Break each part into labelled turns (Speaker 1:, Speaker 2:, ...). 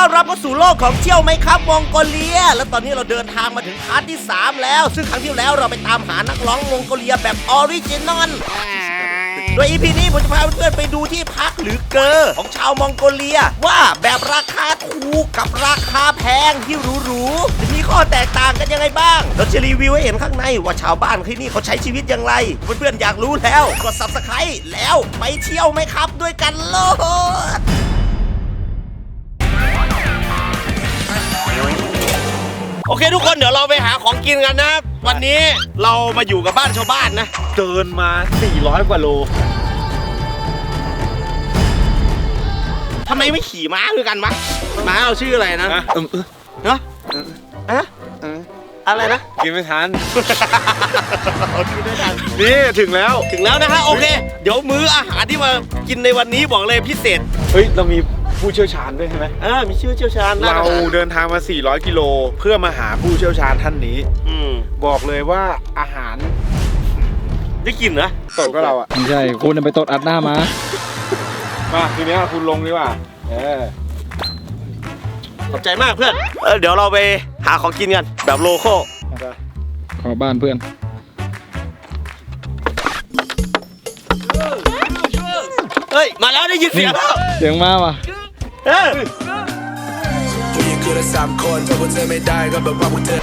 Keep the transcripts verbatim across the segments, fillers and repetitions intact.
Speaker 1: อนรับเข้าสู่โลกของเที่ยวไหมครับมองโกเลียและตอนนี้เราเดินทางมาถึงพาร์ทที่สามแล้วซึ่งครั้งที่แล้วเราไปตามหานักร้องมองโกเลียแบบออริจินอลโดย อี พี นี้ผมจะพาเพื่อนๆไปดูที่พักหรือเกอของชาวมองโกเลียว่าแบบราคาถูกกับราคาแพงที่หรูๆจะมีข้อแตกต่างกันยังไงบ้างเราจะรีวิวให้เห็นข้างในว่าชาวบ้านที่นี่เขาใช้ชีวิตอย่างไรเพื่อนๆอยากรู้แล้วกด ซับสไครบ์ แล้วไปเที่ยวไหมครับด้วยกันโลดโอเคทุกคนเดี๋ยวเราไปหาของกินกันนะวันนี้เรามาอยู่กับบ้านชาวบ้านนะ
Speaker 2: เดินมาสี่ร้อยกว่าโล
Speaker 1: ทำไมไม่ขี่ม้าด้วยกันวะม้าเราชื่ออะไรนะเออเนาะอะอะไรนะ
Speaker 2: กินไม่ทัน
Speaker 1: กินไม่ทัน
Speaker 2: นี่ถึงแล้ว
Speaker 1: ถึงแล้วนะฮะโอเคเดี๋ยวมื้ออาหารที่มากินในวันนี้บอกเลยพิเศษ
Speaker 2: เฮ้ยเรามีผู้เชี่ยวชาญด้วยใช่ไหม
Speaker 1: อ่ามีชื่อเชี่ยวชาญ
Speaker 2: เราเดินทางมาสี่ร้อยกิโลเพื่อมาหาผู้เชี่ยวชาญท่านนี้อืมบอกเลยว่าอาหาร
Speaker 1: ได้กินนะ
Speaker 2: ตดก็เราอ่ะ
Speaker 3: ไม่ใช่คุณไปตดอัดหน้ามา
Speaker 2: มาทีนี้คุณลงดีกว่าเออ
Speaker 1: ขอบใจมากเพื่อนเออเดี๋ยวเราไปหาของกินกันแบบโลคอล
Speaker 3: ขอบ้านเพื่อน
Speaker 1: เฮ้ยมาแล้วได้ยินเสียงแล้ว
Speaker 3: เสียงมาว่ะ
Speaker 1: เฮ้ย
Speaker 4: สามคนถ้าพวกเธอไม่ได้ก็แบบว่าพวกเธอ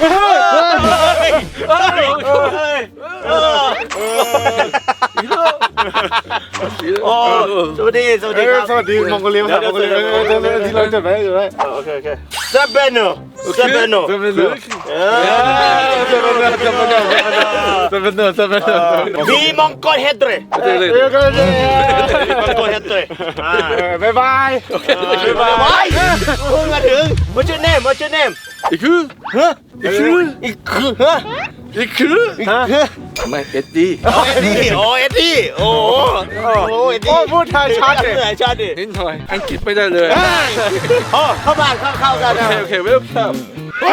Speaker 1: โอ้สวัสดีสวัสดีครับ
Speaker 2: สวัสดีมองโกเลียครับมองโกเลียที่เราจดไว้จดไว้
Speaker 1: โอเคโอเคซาเบโนซาเบโน
Speaker 2: ซาเบโนซาเบโนซาเบโนซาเบโนซาเบโน
Speaker 1: มีมองโกเฮดเรย์มองโกเฮดเรย์
Speaker 2: บายบาย
Speaker 1: บายบายเพิ่งมาถึง What's your name What's your name
Speaker 2: อีกคือ
Speaker 1: ฮะอีกคืออีกคือฮะ
Speaker 2: อีกคือฮะไม่เอ็ดดี้
Speaker 1: โอ้เอ็ดดี้โอ้เอ็ดดี้โอ้โอ้เอ็ดดี้
Speaker 2: พูดไทยชัดเลย
Speaker 1: ชัดดิ
Speaker 2: นิดหน่อยอังกฤษไม่ได้เลย
Speaker 1: โอ้เข้าบ้านเข้าเข้ากัน
Speaker 2: โอเคโอเคเวลคัม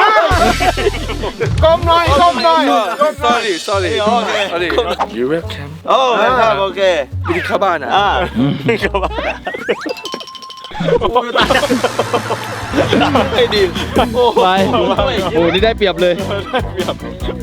Speaker 2: ก้มหน่อยก้มหน่อย sorry sorry โอเค you welcome
Speaker 1: โอ้ครับโอเค
Speaker 2: ไปเข้าบ้านอ่ะ
Speaker 1: อ่าเข้าบ้านโอ้ตายไอ้ดิโอ้
Speaker 3: ไปโอ้นี่ได้เปรียบเลย
Speaker 2: เปรียบไป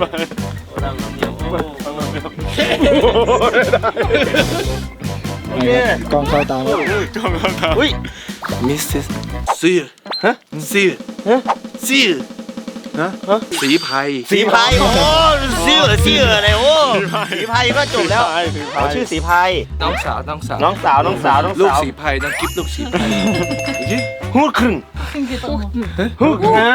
Speaker 1: โอเค
Speaker 3: กล้องเข้าตาม
Speaker 2: กล้องเข้าตาม
Speaker 1: อุ้ย
Speaker 2: Missus ซีฮะซีฮะซีฮะสีไพ
Speaker 1: สีไพโอ้ซีเหรอซีเหรออะไรโอ้สีไพก็จบแล้วเขาชื่อสีไพ
Speaker 2: น้องสาวน้องสาว
Speaker 1: น้องสาวน้องสาวน้องสาว
Speaker 2: ลูกสีไพน้องกิ๊บลูกสีไพ
Speaker 1: ฮู้ครึ่งฮู้ครึ่ง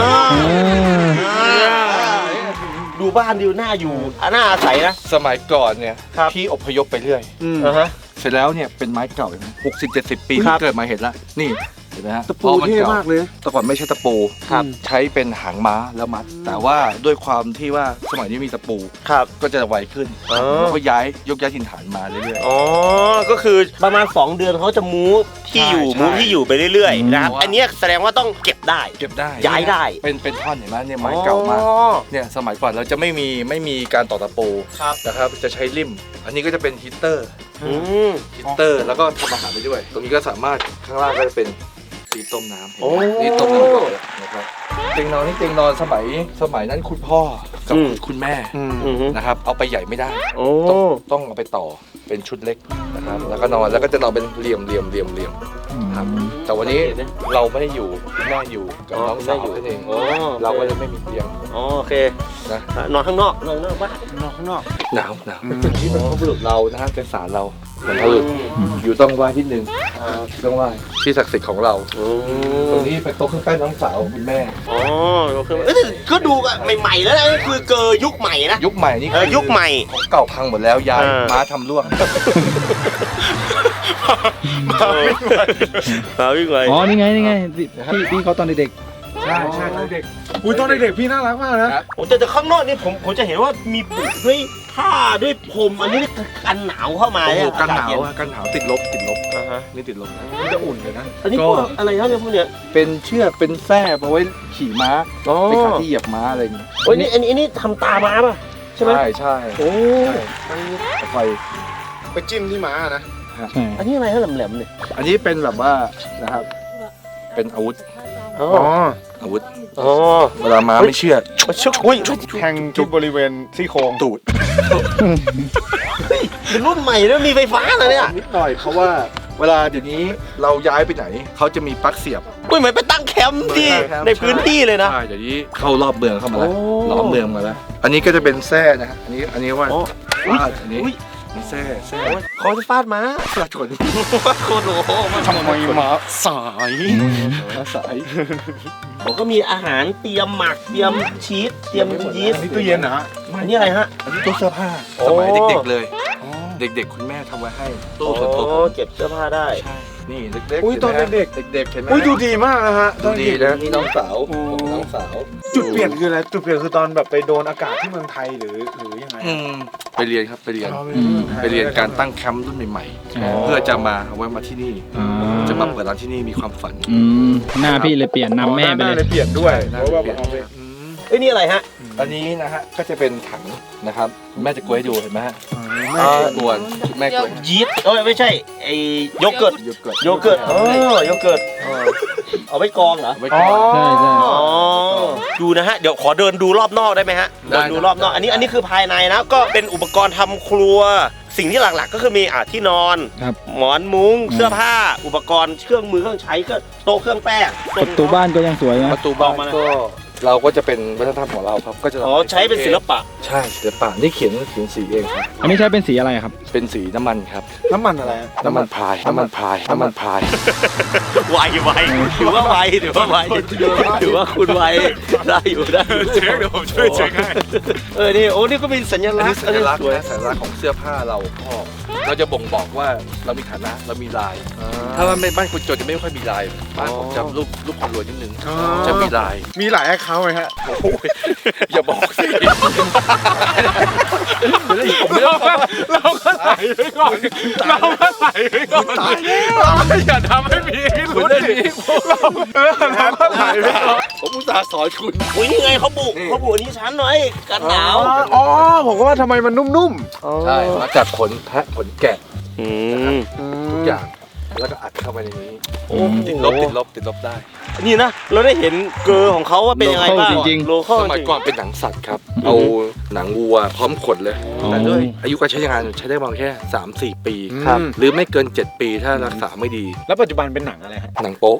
Speaker 1: ดูบ้านดูหน้าอยู่หน้าอาศัยนะ
Speaker 2: สมัยก่อนเนี่ยพี่อพยพไปเรื่อยเสร็จแล้วเนี่ยเป็นไม้เก่าหกสิบเจ็ดสิบปีที่เกิดมาเห็นแล้วนี่เห็นไหมฮะ
Speaker 1: ตะปูเท่มากเลย
Speaker 2: แต่ก่อนไม่ใช่ตะปูใช้เป็นหางม้าแล้วมัดแต่ว่าด้วยความที่ว่าสมัยนี้มีตะปูก็จะไวขึ้นแล้วก็ย้ายยกย้ายถิ่นฐานมาเรื่อยๆ
Speaker 1: อ๋อก็คือประมาณสองเดือนเขาจะมูฟที่อยู่มูฟที่อยู่ไปเรื่อยๆนะครับอันนี้แสดงว่าต้องเก็บได้
Speaker 2: เก็บได้
Speaker 1: ย้ายได้
Speaker 2: เป็นเป็นท่อนเห็นไหมเนี่ยไม้เก่ามากเนี่ยสมัยก่อนเราจะไม่มีไม่มีการต่อตะปูนะครับจะใช้ลิ่มอันนี้ก็จะเป็นฮีตเตอร์ฮีตเตอร์แล้วก็ทำอาหารไปด้วยตรงนี้ก็สามารถข้างล่างก็จะเป็นตีต้มน้ำนี่ต้มน้ำก่อนนะครับเตียงนอนนี่เตียงนอนสมัยสมัยนั้นคุณพ่อกับคุณแม่นะครับเอาไปใหญ่ไม่ได้ต้องต้องเอาไปต่อเป็นชุดเล็กนะครับแล้วก็นอนแล้วก็จะนอนเป็นเหลี่ยมเหลี่ยมเหลี่ยมเหลี่ยมครับแต่วันนี้เราไม่ได้อยู่คุณแม่อยู่กับน้องสาวนั่นเองเราก็จะไม่มีเตียง
Speaker 1: โอเคนะนอนข้างนอกนอนข้างนอกบ้านนอนข้างนอก
Speaker 2: หนาวหนาวที่เป็นพบุรุษเรานะฮะเป็นศาลเราเป็นพบุรุษอยู่ต้องไหว้ที่หนึ่งต้องไหว้ที่ศักดิ์สิทธิ์ของเราตรงนี้เป็นโต๊ะเครื่องแป้งน้องสาวคุณแม่
Speaker 1: อ๋อก็ดูใหม่ๆแล้วนะคือเกอยุคใหม่นะ
Speaker 2: ยุคใหม่นี่
Speaker 1: ยุคใหม่
Speaker 2: ของเก่าพังหมดแล้วย้ายม้าทำร่วง
Speaker 1: มาวิ่งไป
Speaker 3: อ๋อนี่ไงนี่ไงพี่พี่เขาตอนเด็ก
Speaker 2: ใช่ใช่เด็กอุ้ยตอนเด็กพี่น่ารักมากนะ
Speaker 1: ผมแต่ข้างนอกนี่ผมผมจะเห็นว่ามีปลูกด้วยผ้าด้วยพรมอันนี้กันหนาวเข้ามาเนี่ย
Speaker 2: กันหนาวกันหนาวติดลบติดลบนี่ติดลบนี่จะอุ่นเลยนะ
Speaker 1: อันนี้พวกอะไรครับเนี่ยพวกเนี้ย
Speaker 2: เป็นเชือกเป็นแส้เอาไว้ขี่ม้าไปขับที่เหยียบม้าอะไรอย่างเงี้ย
Speaker 1: โอ้ยนี่อันนี้อันนี้ทำตาม้าป่ะใช่ไหม
Speaker 2: ใช่ใช่
Speaker 1: โอ้
Speaker 2: ไฟไปจิ้มที่ม้านะ
Speaker 1: อันนี้อะไรฮะแหลมๆเนี่ย
Speaker 2: อันนี้เป็นแบบว่านะครับเป็นอาวุธ
Speaker 5: อ๋อ
Speaker 2: อาวุธ
Speaker 5: อ๋อ
Speaker 2: เวลาม้าไม่เชื่อ
Speaker 5: ชุกอุ้ย
Speaker 6: แทงที่บริเวณซี่โครง
Speaker 2: ตูด
Speaker 5: เป็นรุ่นใหม่แล้วมีไฟฟ้าเลยเนี่ย
Speaker 2: นิดหน่อยเพราะว่าเวลาเดี๋ยวนี้เราย้ายไปไหนเขาจะมีปลั๊กเสียบ
Speaker 5: อุ้ยเหมือนไปตั้งแคมป์ที่ในพื้นที่เลยนะ
Speaker 2: ใช่เดี๋ยวนี้เข้ารอบเมืองเข้ามาแล้ว
Speaker 5: โอ้
Speaker 2: รอบเมืองมาแล้ว อันนี้ก็จะเป็นแส้นะฮะอันนี้อันนี้ว่า
Speaker 5: อ๋อ
Speaker 2: ฟาดอันนี้
Speaker 5: อุ๊ย
Speaker 2: นี่แส้แส้
Speaker 5: เขาจะฟาดม้า
Speaker 2: ฟาดชน
Speaker 5: โคตรโห
Speaker 6: ทำไมมาสาย
Speaker 2: สาย
Speaker 5: ผมก็มีอาหารเตรียมหมักเตรียมชีสเตรียมยีสต์
Speaker 6: นี่ตู้เย็นนะฮะ
Speaker 5: อันนี้อะไรฮะ
Speaker 2: อันนี้ตู้เสื้อผ้า
Speaker 5: โอ้
Speaker 2: สมัยเด็กๆเลย เด็กๆคุณแม่ทำไว้ให้ตู้ส่วนตัวผม
Speaker 5: เก็บเสื้อผ้าได้
Speaker 2: ใช่นี่เด็กๆ
Speaker 6: อุ้ยตอนเด็ก
Speaker 2: ๆเด็กๆเห็นไหม
Speaker 6: ๆอุ้ยดูดีมากนะฮะ
Speaker 2: ดูดี
Speaker 6: ตอ
Speaker 2: นะ
Speaker 6: เก
Speaker 2: นี่น้องสาวผมน้องสาว
Speaker 6: จุดเปลี่ยนคืออะไรจุดเปลี่ยนคือตอนแบบไปโดนอากาศที่เมืองไทยหรือหรือยังไง
Speaker 2: อืมไปเรียนครับไปเรียน
Speaker 6: อ๋อ
Speaker 2: ไปเรียนการตั้งแคมป์รุ่นใหม่ๆ เพื่อจะมาเอาไว้มาที่นี่ จะมาเปิดร้านที่นี่มีความฝัน
Speaker 3: อืมหน้าพี่เลยเปลี่ยนนำแม่ไป
Speaker 6: หน้า
Speaker 3: เลย
Speaker 6: เปลี่ยนด้วย
Speaker 2: ใช่
Speaker 6: เพราะว่า
Speaker 2: เปลี่ยน
Speaker 6: เอาไป
Speaker 5: เอ้ยนี่อะไรฮะ
Speaker 2: อันนี้นะฮะก็จะเป็นถังนะครับแม่จะกวยให้ดูเห็นไหมฮะ
Speaker 6: ไม่
Speaker 2: กวนแม่กวย
Speaker 5: ยีสต์เอ้ยไม่ใช่ไอโยเกิร์ต
Speaker 2: โยเกิร์ต
Speaker 5: โยเกิร์ตเออโยเกิร์ตเอาไว้กรองเหรอ
Speaker 2: ไว้ก่อน
Speaker 3: ใช่ใช่
Speaker 5: อ๋อดูนะฮะเดี๋ยวขอเดินดูรอบนอกได้ไหมฮะ
Speaker 2: ได้
Speaker 5: เดินดูรอบนอกอันนี้อันนี้คือภายในนะก็เป็นอุปกรณ์ทำครัว สิ่งที่หลักๆก็คือมีอ่ะที่นอน
Speaker 3: ครับ
Speaker 5: หมอนมุ้งเสื้อผ้า อุปกรณ์เครื่องมือเครื่องใช้ก็โต๊ะเครื่องแป้ง
Speaker 3: ประตูบ้านก็ยังสวยนะ
Speaker 2: ประตูบ้านก็เราก็จะเป็นวัฒนธรรมของเราครับก็จะ
Speaker 5: อ๋อใช้เป็นศิลปะ
Speaker 2: ใช่ศิลปะนี่เขียนเขียนสีเองครับ
Speaker 3: อันนี้ใช้เป็นสีอะไรครับ
Speaker 2: เป็นสีน้ำมันครับ
Speaker 6: น้ำมันอะไรฮะ
Speaker 2: น้ำมันพายน้ำมันพายน้ำมันพาย
Speaker 5: ไวไวถือว่าไวถือว่าไวถือว่าคุณไวได้อยู่ได้อยู่
Speaker 6: เช็คเดี๋ยวผมช่วยเช็คให้
Speaker 5: เออนี่โอ้นี่ก็เป็นสัญ
Speaker 2: อัน
Speaker 5: ลัก
Speaker 2: นี้
Speaker 5: ษณ์
Speaker 2: สัญลักษณ์
Speaker 5: สวย
Speaker 2: นะสัญลักษณ์ของเสื้อผ้าเราพ่อเราจะบ่งบอกว่าเรามีฐานะเรามีลาย ถ้าว่าไม่บ้านคนจนจะไม่ค่อยมีลายบ้านผมจะรูปรูปคนรวยนิดนึงจะมีลาย
Speaker 6: มีหลายแอคเคาท์ไหมฮะ
Speaker 2: โอ้ยอย่าบอกสิ
Speaker 6: เราก็เราก็ใส่ไว้ก่อนเราก็ใส่ไว้ก่อนอย่าทำให้มีพิรุธดิเราเออเราก็ใส่ไว้ก่อน
Speaker 2: ผมอุตส่าห์สอนคุณ
Speaker 5: อุ้ยนี่ไงเขาบุเขาบุอันนี้ชั้นหน่อยกันหนาว
Speaker 6: อ๋อผมก็ว่าทำไมมันนุ่ม
Speaker 2: ใช่มาจากขนแพะขนแกะ
Speaker 5: อืม
Speaker 6: ๆ
Speaker 2: ทุกอย่างแล้วก็อัดเข้าไปในนี้
Speaker 5: โอ้
Speaker 2: ติดลบติดลบติดลบได้
Speaker 5: นี่นะเราได้เห็นเกอร์ของเขาว่าเป็นยังไงบ้าง
Speaker 3: โลคอลจริงๆ
Speaker 5: โลคอล
Speaker 2: สมัยก่อนเป็นหนังสัตว์ครับ เอาหนังวัวพร้อมขนเลย
Speaker 3: อ๋อ
Speaker 2: แต่ด้วยอายุการใช้งานใช้ได้ประมาณแค่ สามสี่ ปี
Speaker 6: ครับ
Speaker 2: หรือไม่เกิน เจ็ด ปีถ้ารักษาไม่ดี
Speaker 6: แล้วปัจจุบันเป็นหนังอะไรฮะ
Speaker 2: หนังโป๊ะ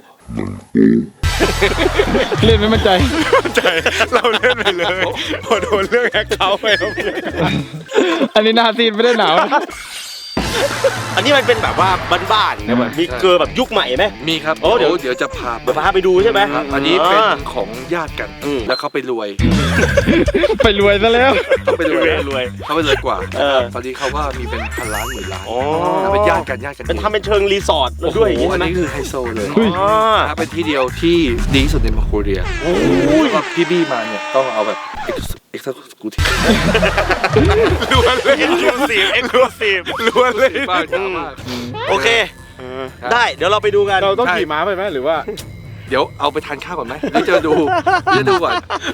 Speaker 3: เล่นไม่มั่นใจ
Speaker 6: ใจเราเล่นไปเลยพอโดนเรื่องแอคเคาท์ไปแล้ว
Speaker 3: อันนี้หนาซีนไม่ได้หนาวนะ
Speaker 5: อันนี้มันเป็นแบบว่าบ้านๆนะแบบมีเกอร์แบบยุคใหม่ไหม
Speaker 2: มีครับ
Speaker 5: โอ้เดี๋ยว
Speaker 2: เดี๋ยวจะพา
Speaker 5: เดี๋ยวพาไปดูใช่ไหม
Speaker 2: ครับอันนี้เป็นของญาติกัน
Speaker 5: อืม
Speaker 2: แล้วเขาไปรวย
Speaker 3: ไปรวยซะแล้ว
Speaker 2: เขาไปรวย
Speaker 5: รวย
Speaker 2: เขาไปรวยกว่า
Speaker 5: เออ
Speaker 2: ตอนนี้เขาว่ามีเป็นพันล้านหมื่นล้าน
Speaker 5: อ๋อ
Speaker 2: แล้วเป็นญาติกันญาติกัน
Speaker 5: เป็นทำเป็นเชิงรีสอร์ทด้วยอย่าง
Speaker 2: โอ้
Speaker 5: นี้
Speaker 2: โหอั
Speaker 5: ใช่
Speaker 2: น
Speaker 5: ไหม
Speaker 2: นี้คือไฮโซเลย
Speaker 3: เฮ้ย
Speaker 5: อ๋อ
Speaker 2: ถ้าเป็นที่เดียวที่ดีที่สุดในมองโกเลียโอ้ยพี่บี้มาเนี่ยต้องเอาแบบเอ็กซ์สกูที
Speaker 5: ล้วนเลยเอ็กซ์คลูซีฟเอ็กซ์คลูซีฟ
Speaker 6: ล้วนเลย
Speaker 2: บ้าจ้ามาก
Speaker 5: โอเค ได้เดี๋ยวเราไปดูกัน
Speaker 6: เราต้องขี่ม้าไปไหมหรือว่า
Speaker 2: เดี๋ยวเอาไปทานข้าวก่อนไหมหรือจะดูหรือจะดูก่อน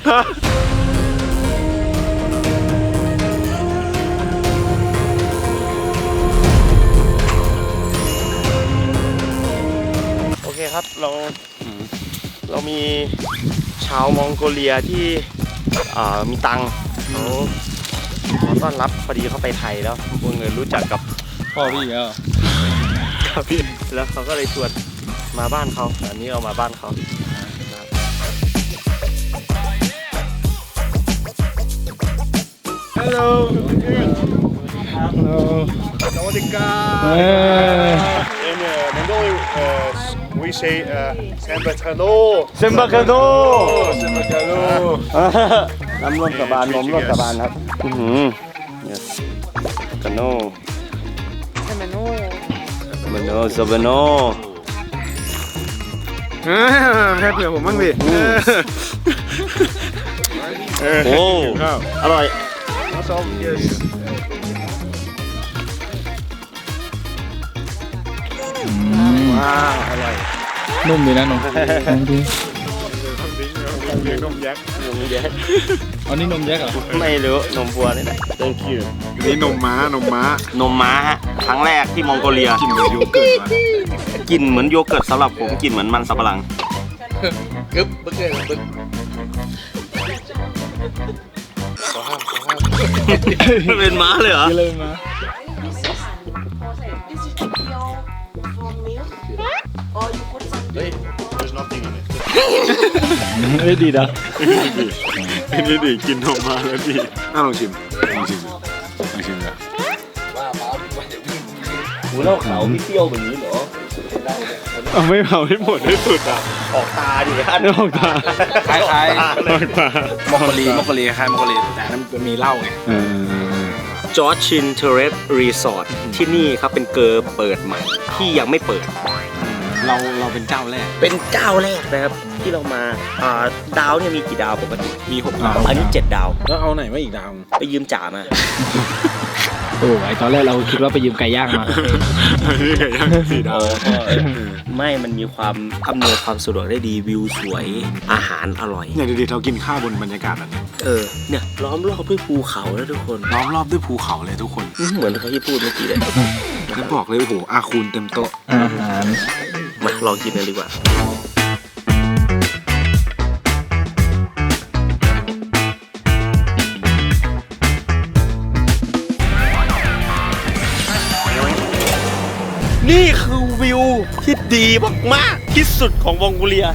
Speaker 5: โอเคครับเราเรามีชาวมองโกเลียที่อ่ามีตังค์เขาขอต้อนรับพอดีเขาไปไทยแล้วพวกเงินรู้จักกับ
Speaker 3: พ่อพี่แล้ว
Speaker 5: ครับพี่แล้วเขาก็เลยชวนมาบ้านเขาอันนี้เรามาบ้านเขา
Speaker 6: ฮัลโหล สวัสดีครับ
Speaker 3: เออ
Speaker 6: In uh, Mongolian, uh, we say uh, Sambakano.
Speaker 5: เซมบาคาโน
Speaker 6: Sambakano.
Speaker 5: น้ำร่วมกับบานนมร่วมกับบานครับอือหือ yes กาโนซาบาโนซาบาโน
Speaker 6: แค่เผื่อผมบ้างดิ
Speaker 5: โอ้อร่อย
Speaker 6: Awesome. Yes. ว้าวอร่อย
Speaker 3: นุ่มดีนะนมลองดู
Speaker 6: เลี้ยงนมยักษ์
Speaker 5: นมแยก
Speaker 3: อันนี้นมแยกเหรอ
Speaker 5: ไม่รู้นมวัวนี่แหละ thank you
Speaker 6: นี่นมม้านมม้าน
Speaker 5: มม้าฮะครั้งแรกที่มองโกเลีย
Speaker 6: กินเหมือนโยเกิร์ตมา
Speaker 5: กลิ่นเหมือนโยเกิร์ตสำหรับผมกลิ่นเหมือนมันสับปะหลัง
Speaker 2: กึ๊บปึ๊กเลยปึ๊กขอห้ามขอห้าม
Speaker 5: เป็นม้าเลยเหรอ
Speaker 3: กินเลยมา
Speaker 7: This is your for milk, or you put something.
Speaker 3: เฮ้ยดีนะ
Speaker 5: นี่ดิกินออกมาแล้วดิ
Speaker 6: น่าลองชิมลองชิมลองชิมเลย
Speaker 2: ว่าป้าว่าอย่าวิ่ง
Speaker 5: หูเล่าขาวพี่เปรี้ยวแบบนี้เหรอ
Speaker 6: เอาไม่เผาให้หมดให้สุดอ่ะ
Speaker 5: ออกตาดิอัน
Speaker 6: ออกตา
Speaker 2: คล้าย
Speaker 5: ออกตาเลย
Speaker 2: ๆมอกโกลีมอกโกลีคล้ายมอกโกลีแต่นั้นมันมีเหล้าไง
Speaker 6: เออ
Speaker 5: จอร์จชินเทเรสรีสอร์ทที่นี่ครับเป็นเกอร์เปิดใหม่ ที่ยังไม่เปิด
Speaker 6: เราเราเป็นเจ้าแรก
Speaker 5: เป็นเจ้าแรกนะครับ ที่เรามาอ่าดาวเนี่ยมีกี่ดาวปกติ
Speaker 6: มีหก
Speaker 3: ดาว
Speaker 5: อันนี้เจ็ดดาว
Speaker 6: แล้วเอาไหนมาอีกดาว
Speaker 5: ไปยืมจ่ามา
Speaker 3: โอ้ไอตอนแรกเราคิดว่าไปยืมไก่ย่างมา
Speaker 6: นี่ไงย่างสี่ดาว
Speaker 5: ไม่ มันมีความอำนวยความสะดวกได้ดีวิวสวยอาหารอร่อย
Speaker 6: อย่างดีๆเรากินข้าวบนบรรยากาศแบบนี้
Speaker 5: เออเนี่ยล้อมรอบด้วยภูเขาแล้วทุกคน
Speaker 6: ล้อมรอบด้วยภูเขาเลยทุกคน
Speaker 5: เหมือนเขาที่พูดเมื่อกี้เลย
Speaker 6: แล้วบอกเลยโอ้โหอาคูณเต็มโต๊ะ
Speaker 3: อาหาร
Speaker 5: มาลองกินกันดีกว่า นี่คือวิวที่ดีมากๆที่สุดของมองโกเลีย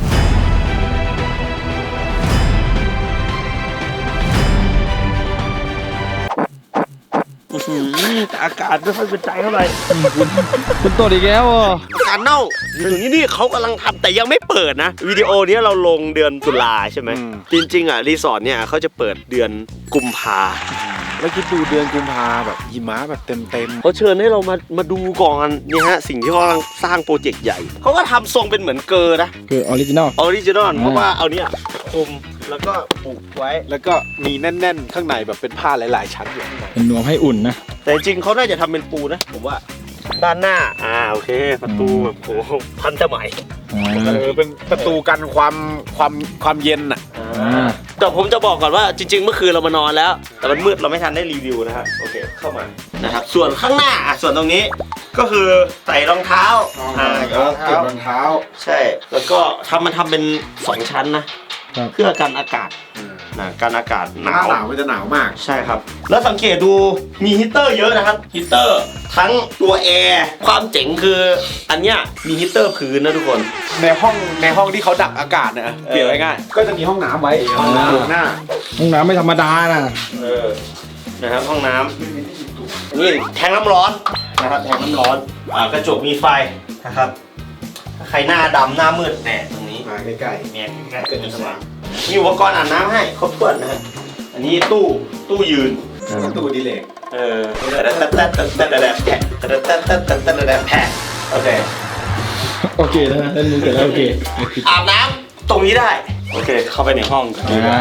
Speaker 5: อื้อหือแต่อากาศไม่ค่อยเป็นใจเท่าไหร่
Speaker 3: คุณตดอีกแล้วอ่ะ
Speaker 5: อากาศเน่าถึงที่นี่เขากำลังทำแต่ยังไม่เปิดนะ วิดีโอนี้เราลงเดือนตุลาใช่ไหม จริงๆอ่ะรีสอร์ทเนี่ยเขาจะเปิดเดือนกุมภา
Speaker 6: แล้วคิดดูเดือนกุมภาแบบหิมะแบบเต็มเต็ม
Speaker 5: เขาเชิญให้เรามามาดูก่อนนี่ฮะสิ่งที่เขากำลังสร้างโปรเจกต์ใหญ่เขาก็ทำทรงเป็นเหมือนเกอร์นะ
Speaker 3: คือออริจินอล
Speaker 5: ออริจินอลเพราะว่าเอาเนี่ยคลุมแล้วก็ปลูกไว้
Speaker 6: แล้วก็มีแน่นๆ ข้างในแบบเป็นผ้าหลายๆ ชั้นอยู่ข้างใน
Speaker 3: เป็นนวมให้อุ่นนะ
Speaker 5: แต่จริงๆเขาน่าจะทำเป็นปูนะผมว่าด้านหน้าอ่าโอเคประตูแบบโหพันสมัย
Speaker 6: เออเป็นประตูกันความความความเย็นอ่ะ
Speaker 3: อ่า
Speaker 5: แต่ผมจะบอกก่อนว่าจริงๆเมื่อคืนเรามานอนแล้ว แต่มันมืดเราไม่ทันได้รีวิวนะครับโอเคเข้ามานะครับส่วนข้างหน้าอ่ะส่วนตรงนี้ก็คือใส่รองเท้าอ่า
Speaker 2: เก็บรองเท้า
Speaker 5: ใช่ แล้วก็ทำมันทำเป็นสองชั้นนะเพื่อกันอากาศนะกันอากาศหนาว
Speaker 6: หนาวมันจะหนาวมาก
Speaker 5: ใช่ครับ แล้วสังเกตดูมีฮีตเตอร์เยอะนะครับฮีตเตอร์ทั้งตัวแอร์ความเจ๋งคืออันเนี้ยมีฮีตเตอร์พื้นนะทุกคน
Speaker 6: ในห้องในห้องที่เขาดักอากาศเนี่ยเปรียบง่ายๆก็จะมีห้องน้ำไว้ห้องน้ำอยู่หน้า
Speaker 3: ห้องน้ำไม่ธรรมดานะ
Speaker 5: เออนะครับห้องน้ำนี่แทงน้ำร้อนนะครับแทงน้ำร้อนอ่ากระจกมีไฟนะครับใครหน้าดำหน้ามืดแหน่ตรงนี้
Speaker 6: มาใกล้
Speaker 5: แมนใกล้เกินสว่างมีอุปกรณ์อาบน้ำให้ครบถ้วนนะฮะอันนี้ตู้ตู้ยืน
Speaker 6: ๆประตูดีเลก
Speaker 5: เออแต่แต่แต่แต่แต่แต่แผะแต่แต่แต่แต่แต่แต่แผะโอเค
Speaker 3: โอเคนะเล่นมือเสร็จแล้วโอเค
Speaker 5: อาบน้ำตรงนี้ได้โอเคเข้าไปในห้อง
Speaker 3: อ่า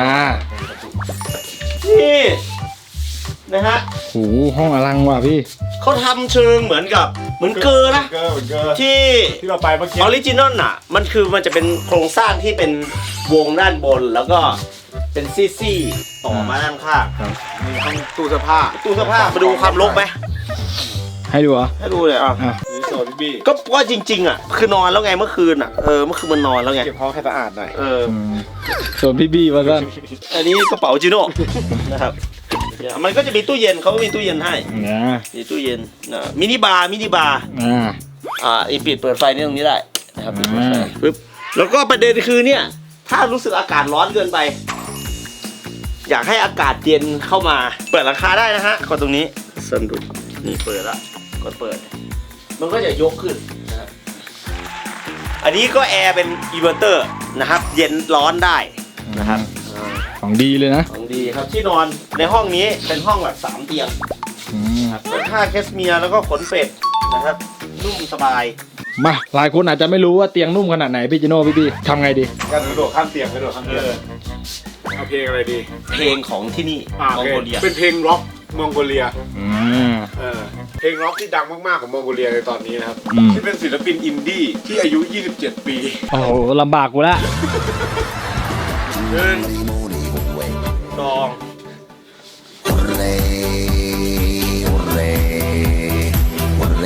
Speaker 5: นี่นะฮะ
Speaker 3: โอ้โหห้องอลังว่ะพี่
Speaker 5: เขาทำเชิงเหมือนกับเหมือนเกอร์นะ
Speaker 6: เกอร์เกอร์
Speaker 5: ที่
Speaker 6: ที่เราไปเมื่อกี้
Speaker 5: ออริจินอลน่ะ มันคือมันจะเป็นโครงสร้างที่เป็นวงด้านบนแล้วก็เป็นซี่ๆต่อมาด้านข้าง
Speaker 6: มีห้องตู้เสื้อผ้า
Speaker 5: ตู้เสื้อผ้ามาดูความรกไหม
Speaker 3: ให้ดูเหรอ
Speaker 5: ให้ดูเลยอ่ะ
Speaker 3: อ่ะ
Speaker 6: นี่โซนพี่บี้
Speaker 5: ก็ว่าจริงๆอ่ะคือนอนแล้วไงเมื่อคืนอ่ะเออเมื่อคืนมันนอนแล้วไง
Speaker 6: เก็บห้องให้สะอาดหน่อย
Speaker 5: เออ
Speaker 3: อืมส่วนพี่บี้ว่าสั้น
Speaker 5: อันนี้กระเป๋าจิโน่ นะครับมันก็จะมีตู้เย็นเขาก็มีตู้เย็นให้
Speaker 3: นะ
Speaker 5: มีตู้เย็นนะมินิบาร์มินิบาร์
Speaker 3: อ่า
Speaker 5: อ่าอีปิดเปิดไฟนี่ตรงนี้ได้นะครับปิดเปิดไฟ
Speaker 3: อ่า
Speaker 5: ปึ๊บแล้วก็ประเด็นคือเนี่ยถ้ารู้สึกอากาศร้อนเกินไป อยากให้อากาศเย็นเข้ามาเปิดราคาได้นะฮะกดตรงนี้สนดุดนี่เปิดละกดเปิด มันก็จะยกขึ้นนะครับอันนี้ก็แอร์เป็นอินเวอร์เตอร์นะครับ เย็นร้อนได้นะครับ
Speaker 3: ของดีเลยนะ
Speaker 5: ของดีครับที่นอนในห้องนี้เป็นห้องแบบสามเตียง
Speaker 3: อืม
Speaker 5: ครับเป็นผ้าแคชเมียร์แล้วก็ขนเป็ดนะครับนุ่มสบาย
Speaker 3: มาหลายคนอาจจะไม่รู้ว่าเตียงนุ่มขนาดไหนพี่จิโน่พี่บี้ทำไงดี
Speaker 6: การกระโดดข้ามเตียงกระโดดข้ามเตียงเอาเพลงอะไรดี
Speaker 5: เพลงของที่นี่
Speaker 6: อ่าม
Speaker 5: อง
Speaker 6: โอ
Speaker 5: โก
Speaker 6: เค
Speaker 5: เลีย
Speaker 6: เป็นเพลงร็อกมองโกเลีย
Speaker 3: อืม
Speaker 6: เออเพลงร็อกที่ดังมากๆของมองโกเลียในตอนนี้นะครับ
Speaker 3: อืม
Speaker 6: ที่เป็นศิลปินอินดี้ที่อายุ ยี่สิบเจ็ด ปี
Speaker 3: โอ้โหลำบากกูละ
Speaker 5: หนึ่งสอง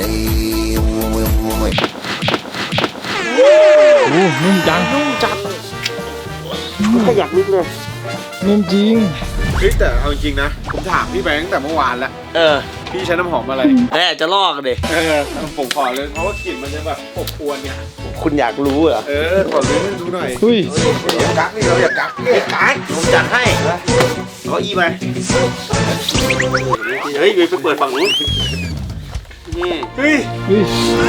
Speaker 3: โอ้นุ่มจัง
Speaker 5: นุ่มจัดขยักนิดเลย
Speaker 3: นุ่มจริง
Speaker 6: เฮ้ยแต่เอาจริงๆนะ ผมถามพี่ไปตั้งแต่เมื่อวานแล้ว
Speaker 5: เออ
Speaker 6: พี่ใช้น้ำหอมอะไร
Speaker 5: แม่จะลอกกันดิ
Speaker 6: เออผมขอเลยเพราะว่ากลิ่นมันจะแบบอบอวนเนี่ย
Speaker 5: คุณอยากรู้เหรอ
Speaker 6: เออขอรู้ให้ดูหน่อย
Speaker 3: อุ้ย
Speaker 6: อย่ากักนี่เราอย่ากัก
Speaker 5: ไอ้การ์ดผมจัดให้เอาอีไปเฮ้ยไปเปิดฝั่งนู้นนี่
Speaker 6: เฮ้ย
Speaker 3: อุ้ย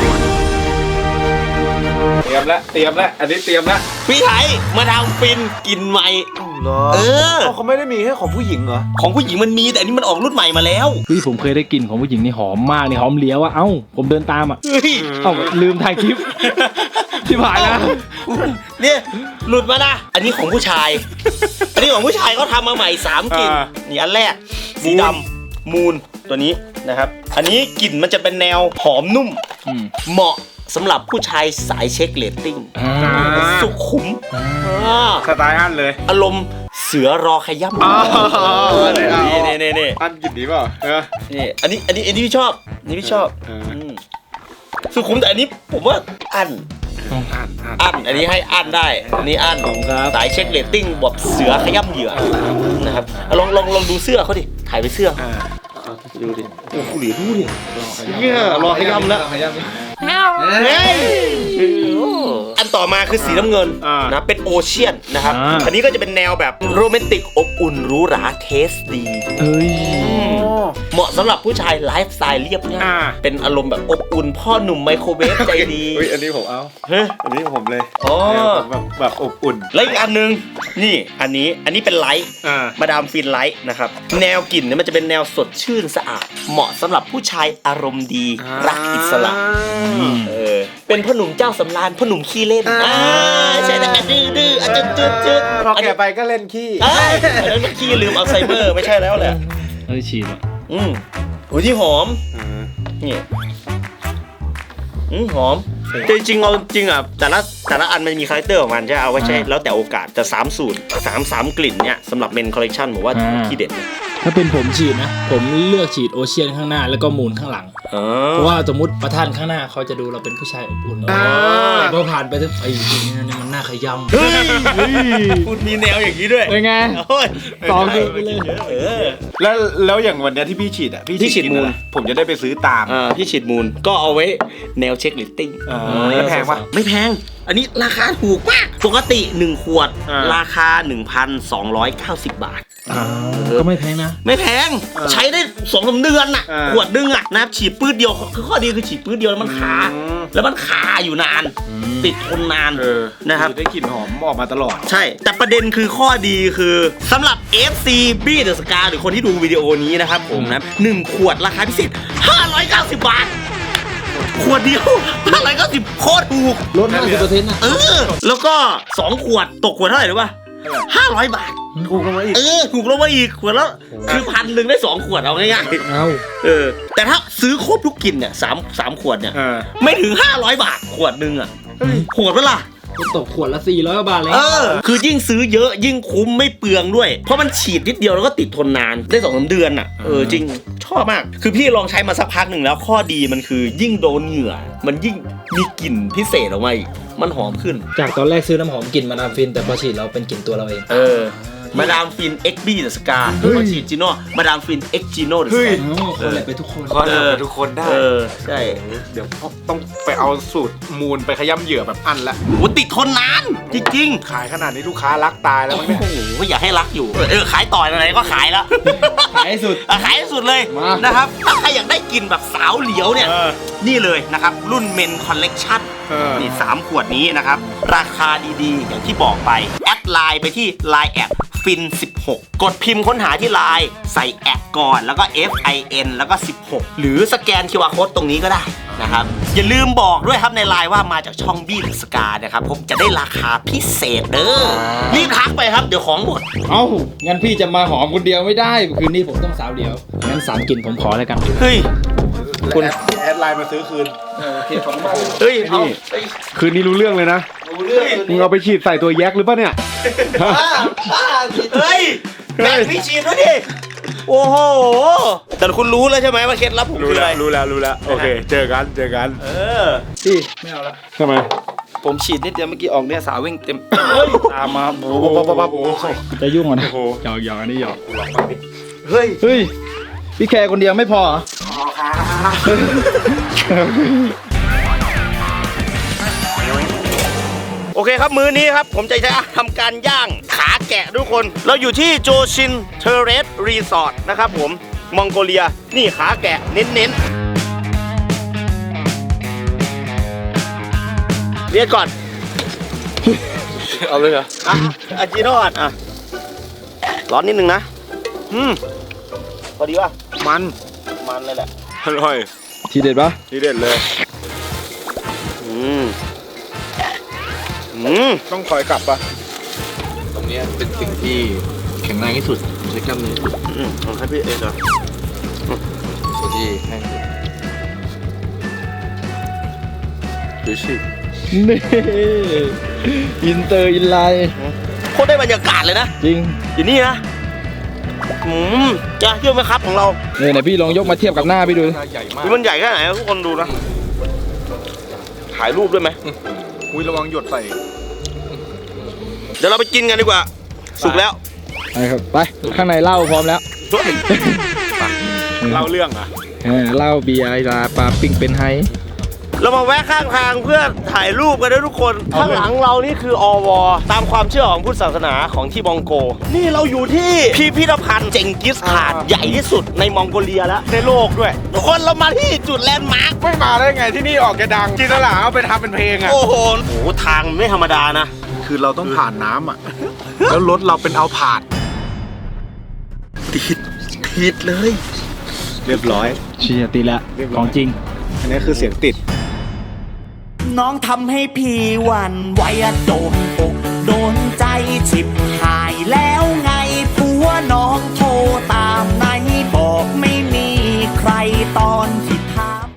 Speaker 6: เตรียมแล้วเตรียมแล้วอันนี้เตรียมแล้ว
Speaker 5: พี่ไทยมาทำฟินกินใหม่เออ
Speaker 6: เขาไม่ได้มีแค่ของผู้หญิงเหรอ
Speaker 5: ของผู้หญิงมันมีแต่อันนี้มันออกรุ่นใหม่มาแล้ว
Speaker 3: อุ้ยผมเคยได้กลิ่นของผู้หญิงนี่หอมมากนี่หอมเหลียวอะเอ้าผมเดินตามอะ
Speaker 5: เฮ้ย
Speaker 3: เอ้าลืมถ่ายคลิป ที่ผ่านนะ
Speaker 5: เนี่ยหลุดมานะอันนี้ของผู้ชาย อันนี้ของผู้ชายเขาทำมาใหม่สามกลิ่น
Speaker 6: อ่า
Speaker 5: นี่อันแรกสีดำมูนตัวนี้นะครับ อันนี้กลิ่นมันจะเป็นแนวหอมนุ่ม
Speaker 3: อืม
Speaker 5: เหมาะสำหรับผู้ชายสายเช็คเรตติ้ง
Speaker 3: อ่า
Speaker 5: สุขุมอ่า
Speaker 6: สไตล์อันเลย
Speaker 5: อารมณ์เสือรอขย้ำ
Speaker 6: อ๋อเลยเอา
Speaker 5: นี่นี่นี่นี่
Speaker 6: อันกลิ่นดีเปล่าเออ
Speaker 5: นี่อันนี้อันนี้อันนี้พี่ชอบอันนี้พี่ชอบ
Speaker 6: เอออื
Speaker 5: มสุขุมแต่อันนี้ผมว่าอัน
Speaker 6: อ่านอ่าน
Speaker 5: อันอันนี้ให้อันได้ อันนี้อันสายเช็คเรตติ้งแบบเสือขย้ำเหยื่อนะครับเอาลองลองลองดูเสื้อเขาดิถ่ายไปเสื้อ
Speaker 6: อ่า
Speaker 5: ดูดิโอ้โหเหลือดูดิเนี่ยรอขย้ำแล้ว
Speaker 3: ขย้ำ
Speaker 5: เฮ้ยอันต่อมาคือสีน้ำเงิน
Speaker 6: อ่า
Speaker 5: นะเป็นโอเชียนนะครับ
Speaker 3: อ่า
Speaker 5: อันนี้ก็จะเป็นแนวแบบโรแมนติกอบอุ่นหรูหราเทสดี
Speaker 3: เอ้ย
Speaker 5: เหมาะสำหรับผู้ชายไลฟ์สไตล์เรียบง่าย
Speaker 6: อ่า
Speaker 5: เป็นอารมณ์แบบอบอุ่นพ่อหนุ่มไมโครเวฟใจดี
Speaker 6: เฮ้ยอันนี้ผมเอา
Speaker 5: เฮ้ย
Speaker 6: อันนี้ผมเลย
Speaker 5: อ๋อ
Speaker 6: แบบแบบอบอุ่น
Speaker 5: แล้วอีกอันหนึงนี่อันนี้อันนี้เป็นไลท์
Speaker 6: อ่า
Speaker 5: มาดามฟินไลท์นะครับแนวกลิ่นเนี่ยมันจะเป็นแนวสดชื่นสะอาด เหมาะสำหรับผู้ชายอารมณ์ดีรักอิสระเออเป็นพ่อหนุ่มเจ้าสำราญพ่อหนุ่มขี้เล่นอ่าใช่นะดื้อดื้ออ่ะจืดจืดจืด
Speaker 6: พอแก่ไปก็เล่นขี้
Speaker 5: เอ้ยอันนั้นมันขี้ลืมอัลไซเมอร์ไม่ใช่แล้วแหละ
Speaker 3: เอ้ยฉีดอะ
Speaker 5: อืมโอ้ยที่หอม นี่อืมหอมแต่จริงๆเอาจริงอ่ะแต่ละแต่ละอันมันมีคาแรคเตอร์ของมันใช่เอาไว้ใช้แล้วแต่โอกาสแต่สามสูตรสามสามกลิ่นเนี่ยสำหรับเมนคอลเลคชันผมว่าที่เด็ดเลย
Speaker 3: ถ้าเป็นผมฉีดนะ ผมเลือกฉีดโอเชียนข้างหน้าแล้วก็มูนข้างหลัง
Speaker 5: อ๋อ
Speaker 3: เพราะว่าสมมติประธานข้างหน้าเขาจะดูเราเป็นผู้ชายอบอุ่นแต่พอผ่านไปไอ้ทีนี้มันน่าขย้ำ
Speaker 5: เฮ้ยคุณมีแนวอย่างนี้ด้วย
Speaker 3: เป็นไง
Speaker 5: โอ้ย
Speaker 3: สองคือไปเลย
Speaker 5: เออ
Speaker 6: แล้วแล้วอย่างวันเนี้ยที่พี่ฉีดอ่ะ
Speaker 5: พี่ฉีด
Speaker 6: กิน
Speaker 5: มูล
Speaker 6: อะไรผมจะได้ไปซื้อตาม
Speaker 5: อ่าพี่ฉีดมูลก็เอาไว้แนวเช็คลิตติ้ง
Speaker 6: อ่าแล้วแพงปะ
Speaker 5: ไม่แพง อันนี้ราคาถูกมากปกติหนึ่งขวด
Speaker 6: อ่า
Speaker 5: ราคา หนึ่งพันสองร้อยเก้าสิบ บาท
Speaker 3: ก็ไม่แพงนะ
Speaker 5: ไม่แพงใช้ได้สองสามเดือนน่ะ
Speaker 6: อ่า
Speaker 5: ขวดนึงอ่ะนะครับฉีดปื้ดเดียวคือข้อดีคือฉีดปื้ดเดียวแล้วมันคา
Speaker 6: อืม
Speaker 5: แล้วมันคาอยู่นาน ติดทนนาน
Speaker 6: เออ
Speaker 5: นะครับ
Speaker 6: ได้กลิ่นหอมออกมาตลอด
Speaker 5: ใช่ แต่ประเด็นคือข้อดีคือสำหรับ เอฟ ซี B The Scar หรือคนที่ดูวิดีโอนี้นะครับผมนะหนึ่งขวดราคาพิเศษห้าร้อยเก้าสิบบาท ขวดเดียวห้าร้อยเก้าสิบโคตรถูก
Speaker 3: ลดห้าสิบเปอร์เซ็นต์นะ
Speaker 5: เออ แล้วก็สองขวดตกขวดเท่าไหร่รู้ป่ะห้าร้อยบาท
Speaker 6: ถูกลงมาอีก
Speaker 5: เออ ถูกลงมาอีกขวดแล้วคือพันหนึ่งได้สองขวดเอาง่ายๆ
Speaker 3: เอา
Speaker 5: เออ แต่ถ้าซื้อครบทุกกลิ่นเนี่ยสามสามขวดเนี่ย
Speaker 6: เออ
Speaker 5: ไม่ถึงห้าร้อยบาทขวดหนึ่งอ่ะโหดปะล่ะ
Speaker 3: ก็ตกขวดละสี่ร้อยบาทเลย
Speaker 5: เออ คือยิ่งซื้อเยอะยิ่งคุ้มไม่เปลืองด้วย เพราะมันฉีดนิดเดียวแล้วก็ติดทนนานได้สองสามเดือนอ่ะ เออจริงชอบมาก คือพี่ลองใช้มาสักพักหนึ่งแล้วข้อดีมันคือยิ่งโดนเหงื่อ มันยิ่งมีกลิ่นพิเศษออกมาอีกมันหอมขึ้น
Speaker 3: จากตอนแรกซื้อน้ำหอมกลิ่นมาดามฟิน แต่พอฉีดเราเป็นกลิ่นตัวเราเอง
Speaker 5: เออ มาดามฟิน เอ็กซ์ บี The Scar แล้วก็ฉีดจิโน่มาดามฟิน X Gino The
Speaker 6: เฮ้ย
Speaker 5: Scar
Speaker 3: คนแหละไปทุกคน
Speaker 6: ก็ได้ทุกคนได้
Speaker 5: เออ ใช่
Speaker 6: เดี๋ยวต้องไปเอาสูตรมูลไปขย้ำเหยื่อแบบอันละ
Speaker 5: โหติดทนนาน จริงๆ
Speaker 6: ขายขนาดนี้ลูกค้ารักตายแล้ว
Speaker 5: โอ้
Speaker 6: มั้งเนี่ย
Speaker 5: โหก็อยากให้รักอยู่ เออ ขายต่ออะไรก็ขายแล้ว
Speaker 3: ขายให้สุด
Speaker 5: อ่ะขายให้สุดเลย
Speaker 3: มา
Speaker 5: นะครับ ถ้าใครอยากได้กลิ่นแบบสาวเหลียวเนี่ย
Speaker 6: เออ
Speaker 5: นี่เลยนะครับ รุ่นเมนคอลเลกชัน
Speaker 6: เออ
Speaker 5: นี่สามขวดนี้นะครับ ราคาดีๆ อย่างที่บอกไป แอดไลน์ไปที่ ไลน์ แอดฟินสิบหก กดพิมพ์ค้นหาที่ไลน์ใส่แอดก่อนแล้วก็ F I N แล้วก็สิบหก หรือสแกน คิว อาร์ Code ตรงนี้ก็ได้นะครับ อย่าลืมบอกด้วยครับในไลน์ว่ามาจากช่องบี้หรือสกานะครับผมจะได้ราคาพิเศษเด้อรีบทักไปครับเดี๋ยวของหมด
Speaker 3: เอ้า งั้นพี่จะมาหอมคนเดียวไม่ได้ คืนนี้ผมต้องสาวเดียว งั้นสามกลิ่นผมขอแล้วกัน
Speaker 5: เฮ้ย
Speaker 6: คุณแอดไลน์มาซื้อคืน
Speaker 5: เฮ้ยเอาเฮ้ย
Speaker 6: คืนนี้รู้เรื่องเลยนะ
Speaker 5: รู้เรื่อง
Speaker 6: มึงเอาไปฉีดใส่ตัวแยกหรือเปล่าเนี่ย
Speaker 5: เฮ้ยแบ่งพี่ชีมด้วยดิ โอ้โห แต่คุณรู้แล้วใช่ไหมว่าเคล็ดลับผม
Speaker 6: รู้
Speaker 5: คือ
Speaker 6: แล้
Speaker 5: อะ
Speaker 6: ว
Speaker 5: ไร
Speaker 6: รู้แล้วรู้แล้วโอเค เจอกันเจอกัน
Speaker 5: เออ
Speaker 3: พี่ ไม่เอาละ
Speaker 6: ทำไม
Speaker 3: ผมฉีดนิดเดียวเมื่อกี้ออกเนี่ยสาววิ่งเต็มตามมาโอ้โหจะยุ่งอ่ะนะหยอกหยอกอันนี้หยอก
Speaker 5: เฮ้ย
Speaker 3: เฮ้ยพี่แคร์คนเดียวไม่พอเหรอ
Speaker 5: โอเคครับมื้อนี้ครับผมจะทำการย่างขาแกะทุกคน เราอยู่ที่โจชินเทเรสรีสอร์ทนะครับผมมองโกเลียนี่ขาแกะเน้นๆเรียกก่อน
Speaker 2: เอาเลยเหรอ
Speaker 5: อ่ะอาจิโน่ก่อนอ่ะร้อนนิดนึงนะอืมพอดีป่ะ
Speaker 6: มัน
Speaker 5: มันเลยแหละ
Speaker 6: อร่อย
Speaker 3: ทีเด็ดปะ
Speaker 6: ทีเด็ดเลย
Speaker 5: อืมอืม
Speaker 6: ต้องคอยกลับปะ
Speaker 2: ตรงเนี้ยเป็นสิ่งที่แข็งแรงที่สุดใช้กล้ามเนื้อที่สุด
Speaker 5: อืมของใครพี่เอ็นเหรอ
Speaker 2: ส่วนที่แห้งดูสิ
Speaker 3: นี่อินเตอร์อินไลน์
Speaker 5: โคตรได้บรรยากาศเลยนะ
Speaker 3: จริง
Speaker 5: อยู่นี่นะอืมจ้าเชื่อไหมครับของเรา
Speaker 3: เนี่ยไหนพี่ลองยกมาเทียบกับหน้าพี่ดู
Speaker 2: ใหญ่มาก
Speaker 5: ดูมันใหญ่แค่ไหนทุกคนดูนะถ่ายรูปด้วยไหม
Speaker 6: อุ้ยระวังหยดใส่
Speaker 5: เดี๋ยวเราไปกินกันดีกว่า สุกแล้ว
Speaker 3: ไปครับไปข้างในเหล้าพร้อมแล้ว
Speaker 6: เล่าเรื่องอ่ะ
Speaker 3: เออเหล้าเบียร์ลาปลาปิ้งเป็นไฮ
Speaker 5: เรามาแวะข้างทางเพื่อถ่ายรูปกันด้วยทุกคน ข้างหลังเรานี่คืออวตามความเชื่อของพุทธศาสนาของที่มองโก นี่เราอยู่ที่พิพิธภัณฑ์เจงกิสข่านใหญ่ที่สุดในมองโกเลียแล้วในโลกด้วยทุกคนเรามาที่จุดแลนด์มาร์ค
Speaker 6: ไม่มาได้ไงที่นี่ออกแกดังจินตลาเอาไปทำเป็นเพลงอ่ะ
Speaker 5: โอ้โหโอ้โหทางไม่ธรรมดานะ
Speaker 6: คือเราต้องผ่านน้ำอ่ะ แล้วรถเราเป็นเอาผาด
Speaker 5: ติดติดเลย
Speaker 6: เรียบร้อย
Speaker 3: เชียร์ตีละของจริง
Speaker 6: อันนี้คือเสียงติด
Speaker 7: น้องทำให้พี่หวั่นไหวอะโดนอกโดน